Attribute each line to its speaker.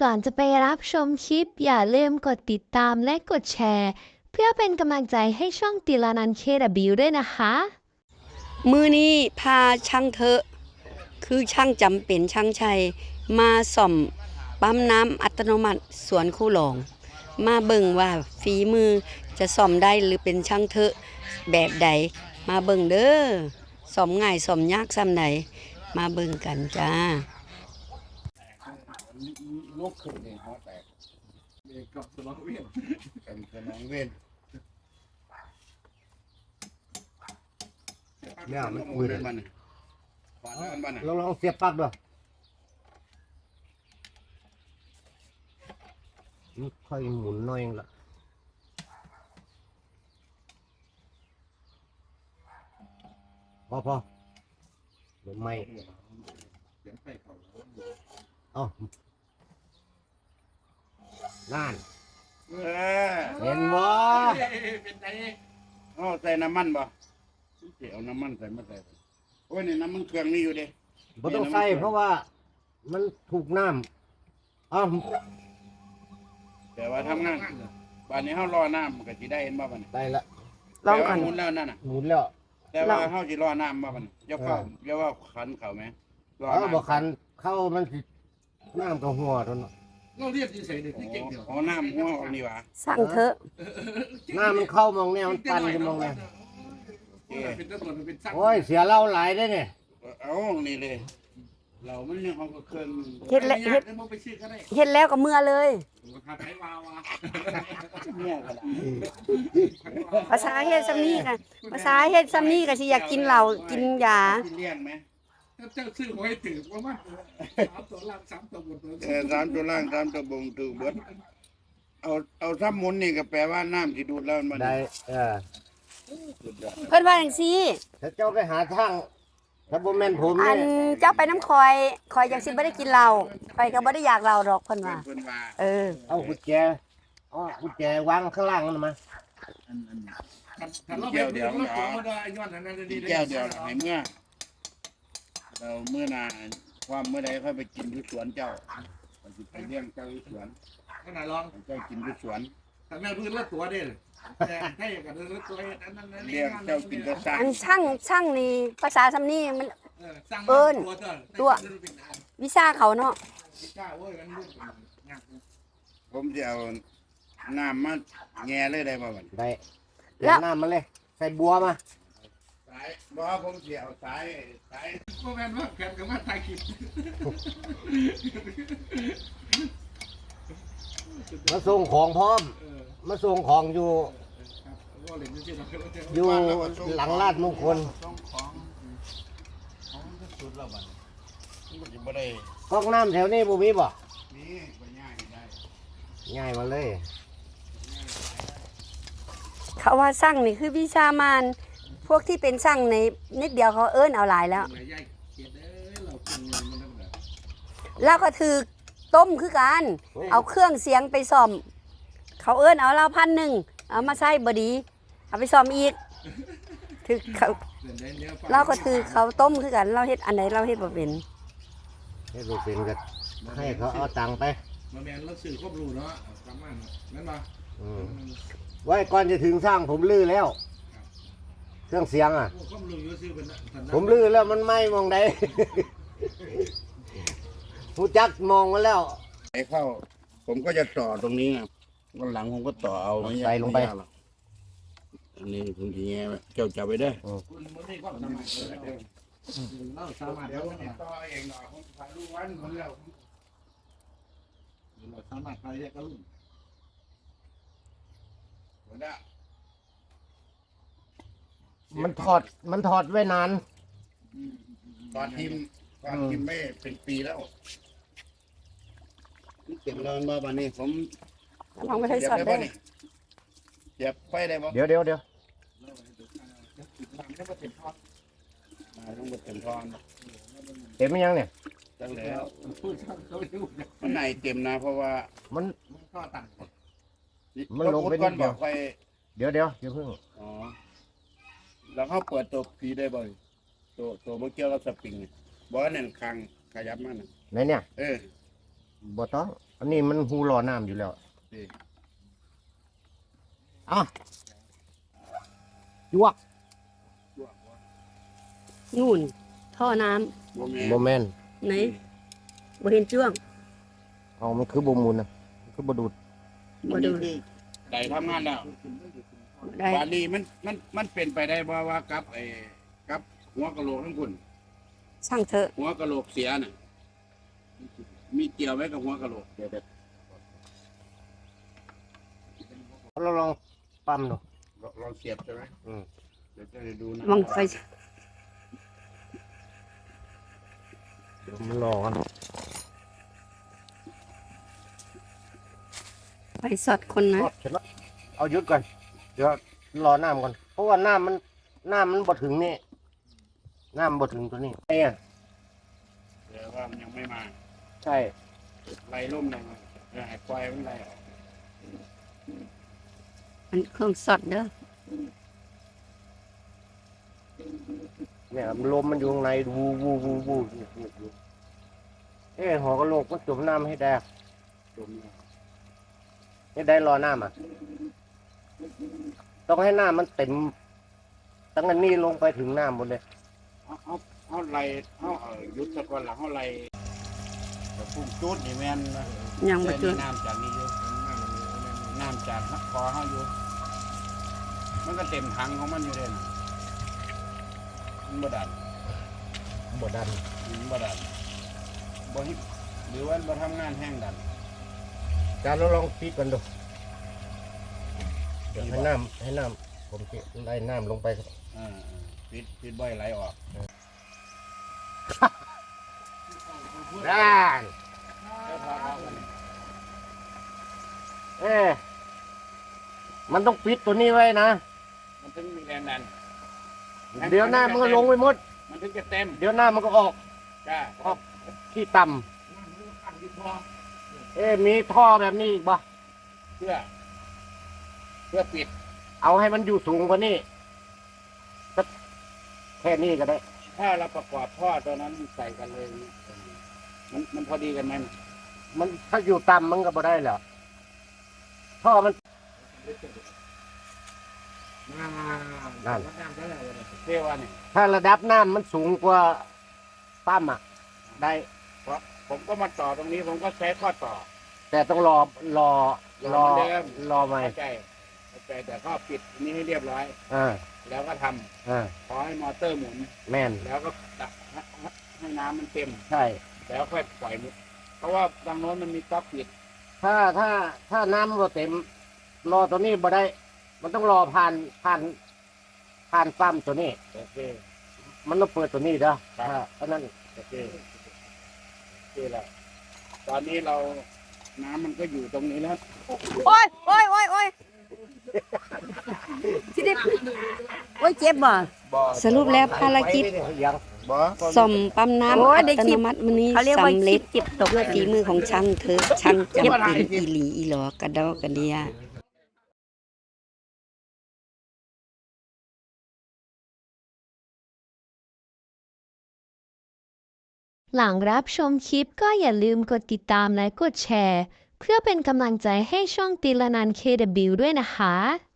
Speaker 1: ก่อนจะไปรับชมคลิปอย่าลืมกดติดตามและกดแชร์เพื่อเป็นกำลังใจให้ช่องติลานัน KW ด้วยนะคะ
Speaker 2: มือนี้พาช่างเถอะคือช่างจำเป็นช่างชัยมาส่อมปั๊มน้ำอัตโนมัติสวนคู่หลองมาเบิ่งว่าฝีมือจะส่อมได้หรือเป็นช่างเถอะแบบใดมาเบิ่งเด้อส่อมง่ายส่อมยากซ้ำใดมาเบิ่งกันจ้า
Speaker 3: ลกขึ้นเนี่ยหัวแตกกับสมองเวียนกับสมองเวียนเนี่ยมันมือมันขวานมันลองเสียบปลั๊กด้วยค่อยหมุนหน่อยละพอเดี๋ยวไม่อ๋อนั่นเห็นบ่อ๋อใส่น้ำมันบ่เอาน้ำมันใส่มาใส่โอ้ยนี่น้ำมันเครื่องนี่อยู่เด้บ่ต้องใส่เพราะว่ามันถูกน้ำอ๋อแต่ว่าทำงานบ้านนี้เฮารอน้ำมันก็สิได้เห็นบ่บัดนี้ได้ละ
Speaker 2: ลองก่อน
Speaker 3: หมุนแล้วนั่นน่ะหมุนแล้วแต่ว่าเฮาสิรอน้ำบ่บัดนี้อย่าเฝ้าอย่าว่าขันเข้าแม่รอน้ำบ่ขันเข้ามันสิน้ำก็หัวตัวเนาะเราเรียกที่ใส่นี่เก่งเดียวอ๋อน้ำหัวออกนี่หว่า
Speaker 2: สั่งเถอะ
Speaker 3: น้ำมันเข้ามองแนวมันปั่นกันมองแนวโอ้ยเสียเหล้าหลายได้เนี่ยเอานี่เลยเรามันยังเอาเครื่อง
Speaker 2: เฮ็ดแล้วก็เมื่อเลยภาษาเฮ็ดซ้ำนี้กันภาษาเฮ็ดซ้ำนี้ก็สิอยากกินเหล้ากินยา
Speaker 3: เลี้ยงไหม
Speaker 4: เจ้าซื้อไว้ถือว่ามัน3 ตัวล่าง3 ตัวบน
Speaker 3: 3 ตัวล่าง3 ตัวบนถือเบิดเอาซ้ำมุนนี่ก็แปลว่าน้ำที่ดูดแล้วมันได้
Speaker 2: เพิ่นว่าจังซี่
Speaker 3: ถ้าเจ้าไปหาทางถ้าบ่แม่นผม
Speaker 2: อันเจ้าไปน้ำคอยจังสิบ่ได้กินเหล้าคอยก็บ่ได้อยากเหล้าดอกเพิ่นว่าเอา
Speaker 3: กุญแจกุญแจวางข้างล่างนั่นมา
Speaker 4: ถ้าเราเป็นตัวมันได้ย้อนนั้นดีๆ
Speaker 3: แก้วเดียวให้เมื่อเราเมื่อนาความเมื่อใดค่อยไปกินที่สวนเจ้าไปเลี้ยงเจ้าที่สวน
Speaker 4: ขนาดลอง
Speaker 3: เจ้ากินที่สวน
Speaker 4: แต่แม่พื้นละตัวเด้แต่ให้กับละตัวนั้น
Speaker 3: เลี้ยงเจ้ากินก็สร้าง
Speaker 2: อันช่างนี่ภาษาซ้ำนี้มันตัววิชาเขาเนาะ
Speaker 3: ผมจะเอาน้ำมาแง่เลยได้บ่บัดได้
Speaker 2: แล้ว
Speaker 3: น้ำมาเลยใส่บัวมาสายบ่ผมสิเอาสาย
Speaker 4: บ่แม่นว่าแขนก็มาถ่ายคลิป
Speaker 3: มาส่งของพร้อมมาส่งของอยู่หลังลาดมงคลก๊อกน้ำแถวนี้บ่มีบ่ง่ายมาเลย
Speaker 2: เขาว่าช่างนี่คือวิชามานพวกที่เป็นช่างในนิดเดียวเขาเอิ้นเอาหลายแล้วแล้วก็ถือต้มคือกันเอาเครื่องเสียงไปซ่อมเขาเอิ้นเอาเรา1,000เอามาใส่บ่ดีเอาไปซ่อมอีกถือเขาเราก็ถือเขาต้มคือกันเราเฮ็ดอันไหนเราเฮ็ดบ่เป็น
Speaker 3: เฮ็ดบ่เป็นก็ให้เขาเอาตังค์ไป
Speaker 4: มาแม่นเราซื้อครบรู้เนาะประมาณนั้นบ่
Speaker 3: ไว้ก่อนจะถึงสร้างผมลื้อแล้วเครื่องเสียงอ่ะผมลื้อแล้วมันไหม้มองใดผู้จักมองมาแล้วไอ้เข้าผมก็จะต่อตรงนี้นะวันหลังผมก็ต่อเอา
Speaker 2: ใส่ลงไป
Speaker 3: อันนี้ผมทีเงี้ยเจ้าจับไปได้
Speaker 4: เราสามารถแล้วเนี่ย
Speaker 3: ต่อเองหน่อยผมถ่ายรูปวันผมแล้ว
Speaker 4: เราสามารถไปได้ก็รุ่น
Speaker 3: มันถอดไว้นานตอนทีมไม่เป็นปีแล้วเก็บแล้วมาบ้านนี้ผม
Speaker 2: ลองไปให้สอดได้
Speaker 3: เก็บไปได้บ่
Speaker 2: เดี๋ยว
Speaker 3: ต้องมาเต็มทอนเต็มยังเนี่ยตั้งแล้วมันไหนเต็มนะเพราะว่ามัน
Speaker 4: ก็ตัน
Speaker 3: มันลงไปนิดเดียวเดี๋ยวอย่าเพิ่งอ๋อแล้วเขาเปิดตัวผีได้บ่อยตัวเมื่อกี้เราสปริงบอกว่าเนี่ยคางขยับมันไหนเนี่ยบ่ต้องอันนี้มันหูรอน้ำอยู่แล้วอ่ะยวก
Speaker 2: นู่น ท่อน้
Speaker 3: โมเมน
Speaker 2: ำไหนบ่เห็นจ้วง
Speaker 3: เอามันคือบ่มูลนะมันคือบ่ดูด
Speaker 2: บ่ดู
Speaker 4: ได้ทำงานแล้ว
Speaker 2: ได้
Speaker 4: บาลีมันเป็นไปได้บ่ว่ากับกับหัวกะโหลกทั้งคุณ
Speaker 2: ช่างเถอะ
Speaker 4: หัวกะโหลกเสียน่ะมีเกี่ยวไว้กับหัวกะโหลกเดี๋ยว
Speaker 3: เราลองปั๊มดู
Speaker 4: ลองเสียบใช่ไหม
Speaker 3: อืม
Speaker 4: เดี๋ยวจะได้ดูนะ
Speaker 2: วังไฟ
Speaker 3: เดี๋ยวมันรอกัน
Speaker 2: ไฟสอดคนนะ
Speaker 3: ทอดเสร็จแล้วเอาหยุดก่อนเดี๋ยวรอน้ำก่อนเพราะว่าน้ำมันบ่ถึงนี่น้ำบ่ถึงตัวนี้ไอ้อะ
Speaker 4: เดี๋ยวว่ามันยังไม่มา
Speaker 3: ใช่
Speaker 4: ไล่ล่มเลยเดี๋ยวให้ปล่อยมันไล่ออก
Speaker 2: มันเครื่องสอดเด้อ
Speaker 3: เนี่ยลมมันอยู่ข้างในวูวูวูวูหอกระโหลกมันจุ่มน้ำให้ได้
Speaker 4: จมเลย
Speaker 3: ให้ได้รอน้ำอ่ะต้องให้น้ำมันเต็มตั้งแต่นี้ลงไปถึงน้ำหมดเลย
Speaker 4: เอาไล่ยุดสะก่อนหลังเอาไล่แต่พุ่งจุดนี่แม่นนะ
Speaker 2: ยังบ่
Speaker 4: แต่
Speaker 2: จุ
Speaker 4: นี่
Speaker 2: ด
Speaker 4: น้ำจากนี้อยู่น้ำจากคอเขาอยู่ มันก็เต็มถังของมันอยู่เลยนะมันบ่ดัน
Speaker 3: บ่ดัน
Speaker 4: มันบ่ดันบ่ฮิหรือว่าบ่ทำงานแห้งดัน
Speaker 3: การเราลองปิดกันดูเดี๋ยวให้น้ำผมจะไล่น้ำลงไปครับ
Speaker 4: ปิดบ่อยไหลออก
Speaker 3: ด้านมันต้องปิดตัวนี้ไว้นะ
Speaker 4: มันถึงมีแรงดัน
Speaker 3: เดี๋ยวหน้ามันก็ลงไปหมด
Speaker 4: มันถึงจะเต็ม
Speaker 3: เดี๋ยวหน้ามันก็ออก
Speaker 4: จ้า
Speaker 3: ออกที่ต่ำมีท่อแบบนี้อีกบ่
Speaker 4: เพื่อปิด
Speaker 3: เอาให้มันอยู่สูงกว่านี้สักแค่นี้ก็ได้
Speaker 4: ถ้าเราประกอบท่อตัวนั้นใส่กันเลยมันพอดีกันไหม
Speaker 3: มันถ้าอยู่ต่ำมันก็บ่ได้แล้วท่อมัน นั่น
Speaker 4: เรียกว่าเนี่ย
Speaker 3: ถ้าระดับน้ำมันสูงกว่าปั๊มอ่ะ ได้
Speaker 4: เพราะผมก็มาต่อตรงนี้ผมก็ใช้ข้อต่อ
Speaker 3: แต่ต้องรอ
Speaker 4: รอเหมือนเดิม
Speaker 3: รอใหม่
Speaker 4: เข้าใจแต่ก็ปิดอันนี้ให้เรียบร้อย
Speaker 3: อ่า
Speaker 4: แล้วก็ทำ
Speaker 3: อ่า
Speaker 4: ขอให้มอเตอร์หมุน
Speaker 3: แม่น
Speaker 4: แล้วก็ตักให้น้ำมันเต็ม
Speaker 3: ใช่
Speaker 4: แล้วค่อยปล่อยมุดเพราะว่าทางโน้นมันมีก๊อกปิด
Speaker 3: ถ้าน้ำบ่เต็ม รอตัวนี้บ่ได้ มันต้องรอผ่านปั๊มตัวนี้
Speaker 4: โอเค
Speaker 3: มันต้องเปิดตัวนี้เด้อ
Speaker 4: ครับ
Speaker 3: เพราะนั้น
Speaker 4: โอเคแล้วตอนนี้เราน้ำมันก็อยู่ตรงนี้แล้ว
Speaker 2: โอ้ยโอ้ยโอ้ยโอ้ยที่ได้โอ้ยเจ็บบ่ สรุปแล้วภารกิจ
Speaker 3: ยัง
Speaker 2: ซ่อมปั๊มน้ำ
Speaker 5: โอ้ย
Speaker 2: อั
Speaker 5: ได้
Speaker 2: ต
Speaker 5: คลิ
Speaker 2: โน
Speaker 5: ป
Speaker 2: มัติมื้อนี้
Speaker 5: เขาเรียกว่า
Speaker 2: สำเร็จ
Speaker 5: คลิปเก็บตก
Speaker 2: ด้วยฝีมือของช่างเถอะช่างจำเป็นอีหลีอีหลอกระดอกกระเดีย
Speaker 1: หลังรับชมคลิปก็อย่าลืมกดติดตามและกดแชร์ เพื่อเป็นกำลังใจให้ช่องติลานัน KW ด้วยนะคะ